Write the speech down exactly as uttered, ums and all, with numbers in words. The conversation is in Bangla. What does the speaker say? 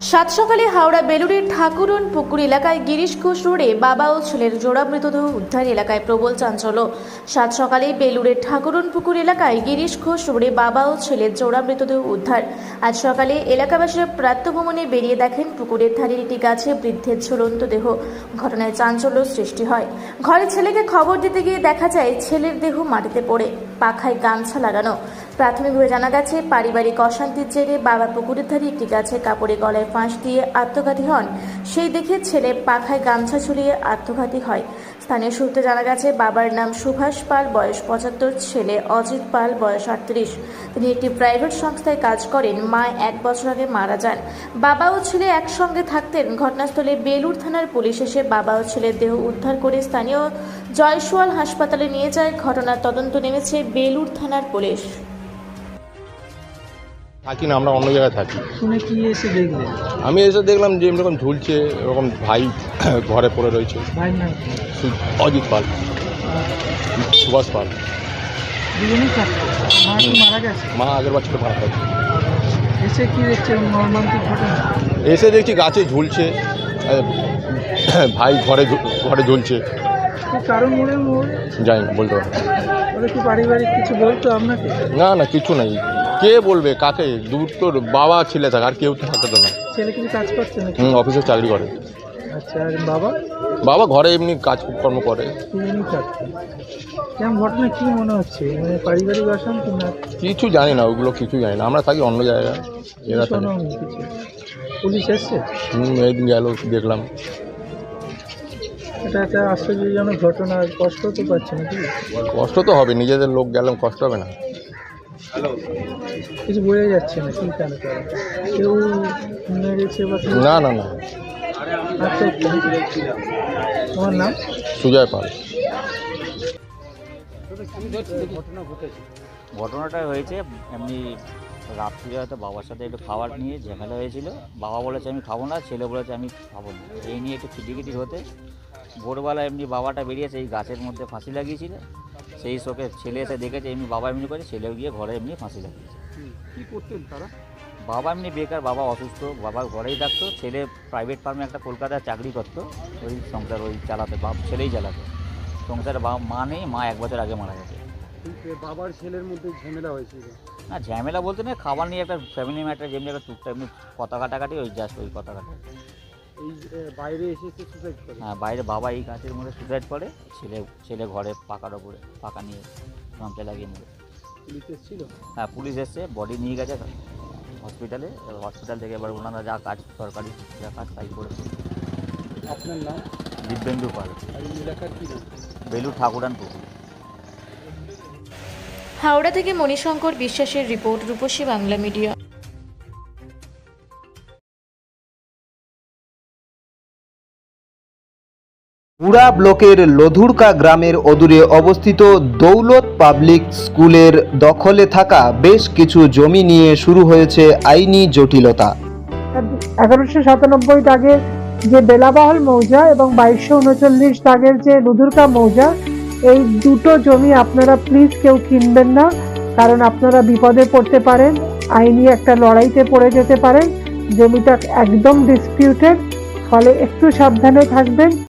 সাত সকালে হাওড়া বেলুড়ের ঠাকুরন পুকুর এলাকায় গিরিশ ঘোষ রোডে বাবা ও ছেলের জোড়া মৃতদেহ উদ্ধার। এলাকায় প্রবল চাঞ্চল্য। সাত সকালে বেলুড়ের ঠাকুরন পুকুর এলাকায় গিরিশ ঘোষ রোডে বাবা ও ছেলের জোড়া মৃতদেহ উদ্ধার। আজ সকালে এলাকাবাসীরা প্রাতঃভ্রমণে বেরিয়ে দেখেন পুকুরের ধারে একটি গাছে বৃদ্ধের ঝুলন্ত দেহ। ঘটনায় চাঞ্চল্য সৃষ্টি হয়। ঘরে ছেলেকে খবর দিতে গিয়ে দেখা যায় ছেলের দেহ মাটিতে পড়ে, পাখায় গামছা লাগানো। প্রাথমিকভাবে জানা গেছে পারিবারিক অশান্তির জেরে বাবা পুকুরের ধারে একটি গাছের কাপড়ে গলায় ফাঁস দিয়ে আত্মঘাতী হন। সেই দেখে ছেলে পাখায় গামছা ঝুলিয়ে আত্মঘাতী হয়। স্থানীয় সূত্রে জানা গেছে বাবার নাম সুভাষ পাল, বয়স পঁচাত্তর, ছেলে অজিত পাল, বয়স আটত্রিশ। তিনি একটি প্রাইভেট সংস্থায় কাজ করেন। মা এক বছর আগে মারা যান। বাবা ও ছেলে একসঙ্গে থাকতেন। ঘটনাস্থলে বেলুড় থানার পুলিশ এসে বাবা ও ছেলের দেহ উদ্ধার করে স্থানীয় জয়সওয়াল হাসপাতালে নিয়ে যায়। ঘটনার তদন্ত নেমেছে বেলুড় থানার পুলিশ। থাকি না, আমরা অন্য জায়গায় থাকি। শুনে কি এসে দেখলেন? আমি এসে দেখলাম যে এরকম ঝুলছে, এরকম ভাই ঘরে পড়ে রয়েছে। ভাইয়ের নাম কি? সু- অজিত পাল, সুভাষ পাল। দুজনেই থাকতো। মা কি মারা গেছে? মা আগের বছর মারা গেছে। এসে কি দেখছে মর্মান্তিক ঘটনা? এসে দেখছি গাছে ঝুলছে, আহ, ভাই ঘরে ঝু- ঘরে ঝুলছে। কি কারণ মনে হয়? জানি না, বলতে পারবো না। ওরা কি পারিবারিক কিছু বলতো আপনাকে? না না, কিছু নাই। কে বলবে কাকে? দূর তোর বাবা ছেলে থাকে, আর কেউ তো থাকে তো না। ছেলে কিছু কাজ করছে নাকি? হুম, অফিসে চাকরি করে। আচ্ছা, আর বাবা? বাবা ঘরে এমনি কাজকর্ম করে। দুজনেই থাকতো। কেমন ঘটনা কি মনে হচ্ছে? মানে পারিবারিক অশান্তি না? কিছু জানি না, ওগুলো কিছু জানি না। আমরা থাকি অন্য জায়গায়, এরা থাকে। শোনো কিছু। পুলিশ এসছে? হুম, একদিন গেল, দেখলাম। এটা একটা আশ্চর্যজনক ঘটনা। কষ্ট তো পাচ্ছে নাকি? কষ্ট তো হবে, নিজেদের লোক গেলাম, কষ্ট হবে না। কিছু বোঝা যাচ্ছে না কি কেন করে কেউ মেরেছে বা কেউ না না না, আত্মহত্যা নাকি? তোমার নাম? সুজয় পাল। ঘটনাটা হয়েছে এমনি রাত্রিরে হয়তো বাবার সাথে একটু খাবার নিয়ে ঝামেলা হয়েছিল। বাবা বলেছে আমি খাবো না, ছেলে বলেছে আমি খাবো না। এই নিয়ে একটু খিটিখিটি হতে ভোরবেলা এমনি বাবাটা বেরিয়েছে, এই গাছের মধ্যে ফাঁসি লাগিয়েছিল। সেই শোকে ছেলে এসে দেখেছে এমনি বাবা এমনি করে, ছেলেও গিয়ে ঘরে এমনি ফাঁসি লাগিয়েছে। কি করতেন তারা? বাবা এমনি বেকার, বাবা অসুস্থ, বাবা ঘরেই থাকতো। ছেলে প্রাইভেট ফার্মে একটা কলকাতায় চাকরি করতো, ওই সংসার ওই চালাতে, বাপ ছেলেই চালাতো সংসারে। বাবা মা নেই, মা এক বছর আগে মারা গেছে। বাবার ছেলের মধ্যে ঝামেলা হয়েছিল? না ঝামেলা বলতে না, খাবার নিয়ে একটা ফ্যামিলি ম্যাটার, যেমনি একটা টুকটা এমনি কথা কাটাকাটি, ওই জাস্ট ওই কথা কাটা। এই বাইরে এসেছে সুসাইড করে? হ্যাঁ, বাইরে বাবা এই গাছের মধ্যে সুসাইড করে, ছেলে ছেলে ঘরে পাকার ওপরে পাকা নিয়ে গামছা লাগিয়ে নিয়ে। পুলিশ এসেছিল? হ্যাঁ, পুলিশ এসছে, বডি নিয়ে গেছে হসপিটালে। হসপিটাল থেকে এবার ওনারা যা কাজ সরকারি যা কাজ তাই করেছে। আপনার নাম? দিব্যেন্দু পাল। আর এই এলাকার কি নাম? বেলুড় ঠাকুরান পুকুর। হাওড়া থেকে মণিশঙ্কর বিশ্বাসের রিপোর্ট, রূপসী বাংলা মিডিয়া। মুড়া ব্লকের লধুরকা গ্রামের অদূরে অবস্থিত দৌলত পাবলিক স্কুলের দখলে থাকা বেশ কিছু জমি নিয়ে শুরু হয়েছে আইনি জটিলতা। এগারোশো সাতানব্বই দাগের যে বেলাবহল মৌজা এবং বাইশশো উনচল্লিশ দাগের যে লুধুরকা মৌজা, এই দুটো জমি আপনারা প্লিজ কেউ কিনবেন না, কারণ আপনারা বিপদে পড়তে পারেন, আইনি একটা লড়াইতে পড়ে যেতে পারেন। জমিটা একদম ডিসপিউটেড, ফলে একটু সাবধানে থাকবেন।